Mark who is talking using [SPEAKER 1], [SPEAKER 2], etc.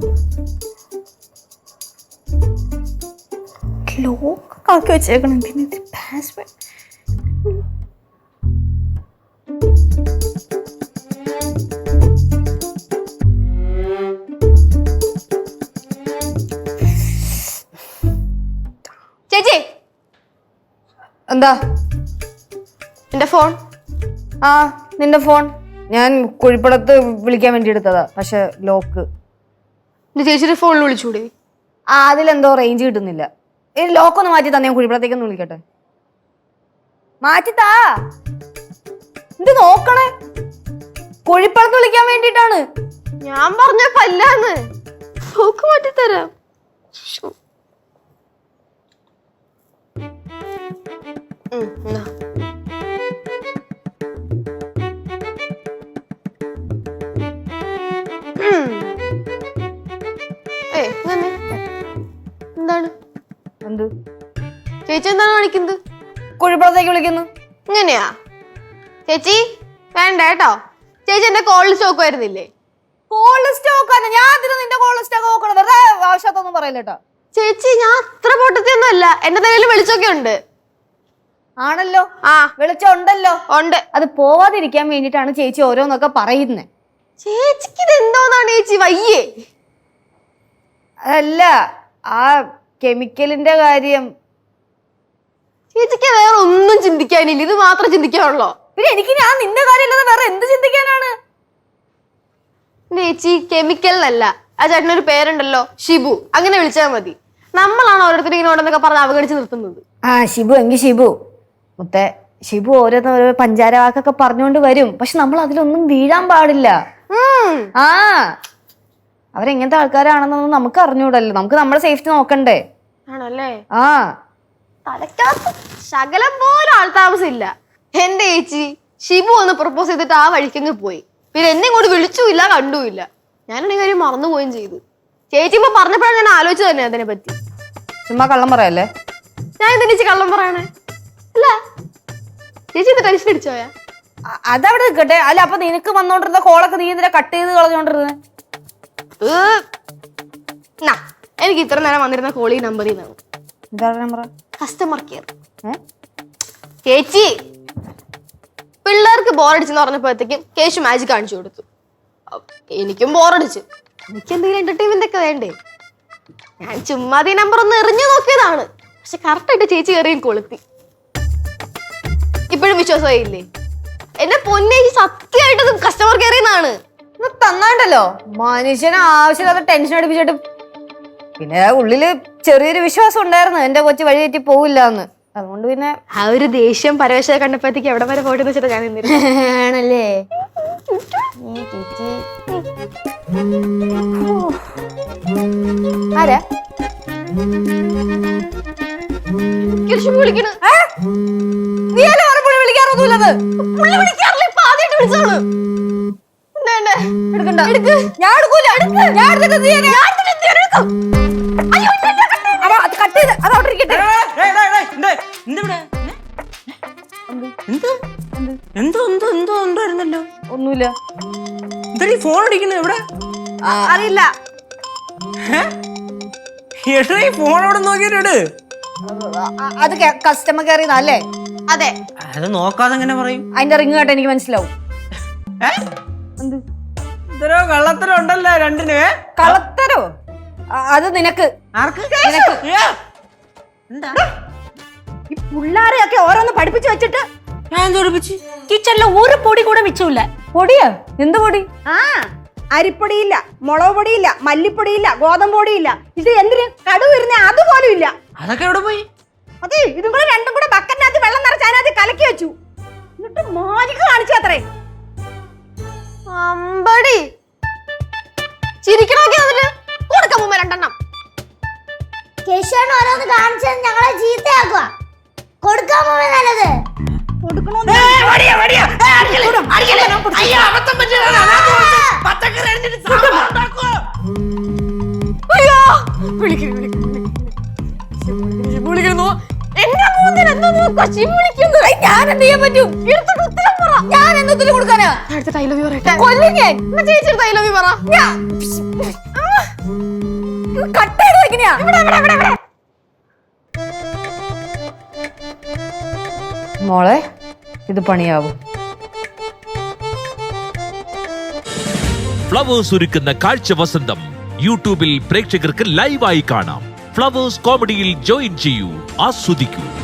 [SPEAKER 1] ലോക്കാക്കി വെച്ചേക്കണം. പിന്നെ പാസ്വേഡ്
[SPEAKER 2] ചേച്ചി
[SPEAKER 1] എന്താ?
[SPEAKER 2] എന്റെ ഫോൺ.
[SPEAKER 1] ആ നിന്റെ ഫോൺ ഞാൻ കുഴിപ്പടത്ത് വിളിക്കാൻ വേണ്ടി എടുത്തതാ. പക്ഷെ ലോക്ക്.
[SPEAKER 2] എന്റെ ചേച്ചിയുടെ ഫോണിൽ വിളിച്ചൂടെ?
[SPEAKER 1] ആ അതിലെന്തോ റേഞ്ച് കിട്ടുന്നില്ല. ഈ ലോക്കൊന്ന് മാറ്റി തന്നെ ഞാൻ കുഴിപ്പടത്തേക്കൊന്ന് വിളിക്കട്ടെ. മാറ്റിത്താ. ഇത് നോക്കണേ, കുഴിപ്പടത്ത് വിളിക്കാൻ വേണ്ടിട്ടാണ്.
[SPEAKER 2] ഞാൻ പറഞ്ഞ പല്ലാന്ന്. ലോക്ക് മാറ്റിത്തരാം. എന്താണ്
[SPEAKER 1] എന്ത്?
[SPEAKER 2] ചേച്ചി എന്താണ് കാണിക്കുന്നത്?
[SPEAKER 1] കുഴിപ്പടത്തേക്ക് വിളിക്കുന്നു.
[SPEAKER 2] ഇങ്ങനെയാ ചേച്ചി? വേണ്ട കേട്ടോ. ചേച്ചി എന്റെ കോളിൽ സ്റ്റോക്ക് വരുന്നില്ലേ?
[SPEAKER 1] കോൾഡ് സ്റ്റോക്ക് ആണ്. ഞാൻ അതിന് നിന്റെ കോൾഡ് സ്റ്റോക്ക് നോക്കണം. വെറുതെ ആവശ്യത്തൊന്നും പറയില്ലട്ടോ.
[SPEAKER 2] ചേച്ചി ഞാൻ അത്ര പൊട്ടത്തിയൊന്നും അല്ല. എന്റെ തലയിൽ വെളിച്ചൊക്കെ ഉണ്ട്.
[SPEAKER 1] ആണല്ലോ.
[SPEAKER 2] ആ
[SPEAKER 1] വെളിച്ചമുണ്ടല്ലോ.
[SPEAKER 2] ഉണ്ട്.
[SPEAKER 1] അത് പോവാതിരിക്കാൻ വേണ്ടിട്ടാണ് ചേച്ചി ഓരോന്നൊക്കെ പറയുന്നേ.
[SPEAKER 2] ചേച്ചിക്ക് ഇത് എന്തോന്നാണ് ചേച്ചി? വയ്യേ?
[SPEAKER 1] അല്ല, ആ കെമിക്കലിന്റെ കാര്യം.
[SPEAKER 2] ചേച്ചിക്ക് വേറെ ഒന്നും ചിന്തിക്കാനില്ല, ഇത് മാത്രം ചിന്തിക്കാനുള്ളോ?
[SPEAKER 1] പിന്നെ എനിക്ക് ഞാൻ നിന്റെ കാര്യമല്ലാതെ വേറെ എന്ത് ചിന്തിക്കാനാണ്?
[SPEAKER 2] ചേച്ചി കെമിക്കലിനല്ല, ആ ചേട്ടനൊരു പേരുണ്ടല്ലോ, ഷിബു. അങ്ങനെ വിളിച്ചാൽ മതി. നമ്മളാണ് ഓരോരുത്തരും ഇങ്ങനെ ഓരോന്നൊക്കെ പറഞ്ഞ് അവഗണിച്ച് നിർത്തുന്നത്.
[SPEAKER 1] ആ ഷിബു എങ്കിൽ ഷിബു മുത്തേ. ഷിബു ഓരോ പഞ്ചാര വാക്കൊക്കെ പറഞ്ഞുകൊണ്ട് വരും. പക്ഷെ നമ്മൾ അതിലൊന്നും വീഴാൻ പാടില്ല. ആ അവരെങ്ങനത്തെ ആൾക്കാരാണെന്നൊന്നും നമുക്ക് അറിഞ്ഞൂടല്ലോ. നമുക്ക് നമ്മുടെ സേഫ്റ്റി നോക്കണ്ടേ?
[SPEAKER 2] ആണല്ലേ?
[SPEAKER 1] ആ
[SPEAKER 2] തലക്കകത്ത് ശകലം പോലും ആൾതാമസം ഇല്ല. എന്റെ ചേച്ചി ഷിബു ഒന്ന് പ്രപ്പോസ് ചെയ്തിട്ട് ആ വഴിക്കങ്ങ് പോയി. പിന്നെ എന്നെ ഇങ്ങോട്ട് വിളിച്ചുമില്ല, കണ്ടുമില്ല. ഞാനാണെങ്കിൽ കാര്യം മറന്നുപോയും ചെയ്തു. ചേച്ചി ഇപ്പൊ പറഞ്ഞപ്പോഴാണ് ഞാൻ ആലോചിച്ചത് തന്നെ അതിനെ പറ്റി.
[SPEAKER 1] ചുമ്മാ കള്ളം പറയല്ലേ?
[SPEAKER 2] ഞാൻ എന്താ ചേച്ചി കള്ളം പറയണേ? അല്ല ചേച്ചി ഇത് ടെൻഷൻ അടിച്ചോയാ?
[SPEAKER 1] അതവിടെ നിൽക്കട്ടെ. അല്ല അപ്പൊ നിനക്ക് വന്നോണ്ടിരുന്ന കോളൊക്കെ നീ എന്തിനാ കട്ട് ചെയ്ത് കളഞ്ഞോണ്ടിരുന്നത്?
[SPEAKER 2] എനിക്ക് ഇത്ര നേരം വന്നിരുന്ന കോളി നമ്പറിൽ നിന്നാണ്.
[SPEAKER 1] എന്താ നമ്പർ?
[SPEAKER 2] Customer care. ചേച്ചി പിള്ളേർക്ക് ബോറടിച്ചെന്ന് പറഞ്ഞപ്പോഴത്തേക്കും കേശു മാജിക് കാണിച്ചു കൊടുത്തു. എനിക്കും ബോറടിച്ചു. എനിക്ക് എന്തെങ്കിലും എന്റർടൈൻമെന്റ് ഒക്കെ വേണ്ടേ? ഞാൻ ചുമ്മാതി നമ്പർ ഒന്ന് എറിഞ്ഞു നോക്കിയതാണ്. പക്ഷെ കറക്റ്റായിട്ട് ചേച്ചി കയറി കൊളുത്തി. ഇപ്പോഴും വിശ്വാസമായില്ലേ? എന്നെ പൊന്നേച്ചി സത്യമായിട്ട് കസ്റ്റമർ കെയറിൽ നിന്നാണ്
[SPEAKER 1] തന്നാണ്ടല്ലോ. മനുഷ്യനെ ആവശ്യമില്ലാത്ത ടെൻഷൻ അടിപ്പിച്ചിട്ട്. പിന്നെ ഉള്ളില് ചെറിയൊരു വിശ്വാസം ഉണ്ടായിരുന്നു എന്റെ കൊച്ചു വഴി തെറ്റി പോവില്ല എന്ന്. അതുകൊണ്ട് പിന്നെ
[SPEAKER 2] ആ ഒരു ദേഷ്യം പരവേശം കണ്ടപ്പോഴത്തേക്ക് എവിടെ വരെ പോയിട്ട് വെച്ചിട്ട് ഞാൻ
[SPEAKER 1] ആണല്ലേ? ആരാ
[SPEAKER 2] വിളിക്കണ?
[SPEAKER 1] നീ അല്ലേ പറഞ്ഞ വിളിക്കാറൊന്നുമില്ലത്?
[SPEAKER 2] വിളിക്കാറില്ല, ഇപ്പൊ ആദ്യമായിട്ട് വിളിച്ചോളൂ.
[SPEAKER 1] എടുക്കണ്ട. ഞാൻ എടുക്കൂല. ഞാൻ എടുത്തിട്ട് നീ കട്ട് ചെയ്ത് അത് അവിടെ ഇരിക്കട്ടെ.
[SPEAKER 3] എന്തോണ്ടായിരുന്നല്ലോ?
[SPEAKER 1] ഒന്നുമില്ല.
[SPEAKER 3] എന്താ ഫോൺ അടിക്കുന്നത്? എവിടെ
[SPEAKER 2] അറിയില്ല.
[SPEAKER 3] ഫോൺ അവിടെ നോക്കിയിട്ട്
[SPEAKER 1] അത് കസ്റ്റമർ കെയർ അല്ലേ?
[SPEAKER 2] അതെ.
[SPEAKER 3] അത് നോക്കാതെ എങ്ങനെ പറയും?
[SPEAKER 1] അതിന്റെ റിങ് കേട്ട എനിക്ക് മനസ്സിലാവും.
[SPEAKER 3] ഇതരോ കള്ളത്തരം ഉണ്ടല്ലോ രണ്ടിന്.
[SPEAKER 1] കള്ളത്തരോ? അത് നിനക്ക്.
[SPEAKER 4] ഈ പിള്ളാരെയൊക്കെ ഓരോന്ന് പഠിപ്പിച്ചു വെച്ചിട്ട് കിച്ചണില് ഒരു പൊടി കൂടെ മിച്ചമില്ല.
[SPEAKER 1] പൊടിയാ? എന്ത് പൊടി?
[SPEAKER 4] ആ അരിപ്പൊടിയില്ല, മുളക് പൊടിയില്ല, മല്ലിപ്പൊടിയില്ല, ഗോതമ്പ് പൊടിയില്ല. ഇത് എന്തിന് കടുവ് വരുന്നേ അതുപോലും ഇല്ല.
[SPEAKER 3] അതൊക്കെ എവിടെ പോയി?
[SPEAKER 4] അതെ, ഇതും കൂടെ രണ്ടും കൂടെ ബക്കറ്റിനകത്ത് വെള്ളം നിറച്ച് അതിനകത്ത് കലക്കി വെച്ചു. എന്നിട്ട് മാജിക് കാണിച്ചു അത്രേ.
[SPEAKER 2] അമ്പടി ചിരിക്കണോക്കെ അതില് കൊടുക്കാം മുമ്പ് രണ്ടെണ്ണം.
[SPEAKER 5] കേശവൻ ഓരോന്ന് കാണിച്ചത് ഞങ്ങളെ ചീത്തയാക്കുക. കൊടുക്കാൻ പോവേ നല്ലത്.
[SPEAKER 1] ഞാൻ എന്ത് ചെയ്യാൻ പറ്റും? ഞാൻ എന്തൊരു കൊടുക്കാനാ?
[SPEAKER 2] അടുത്ത തൈലവി പറയട്ടെ.
[SPEAKER 1] കൊല്ലും ഞാൻ.
[SPEAKER 2] ചേച്ചി തൈലവി പറ.
[SPEAKER 1] കട്ട് ചെയ്ത് വെക്കണയാ. മോളെ ഇത് പണിയാവും.
[SPEAKER 6] ഫ്ലവേഴ്സ് ഒരുക്കുന്ന കാഴ്ച വസന്തം യൂട്യൂബിൽ പ്രേക്ഷകർക്ക് ലൈവായി കാണാം. ഫ്ലവേഴ്സ് കോമഡിയിൽ ജോയിൻ ചെയ്യൂ, ആസ്വദിക്കൂ.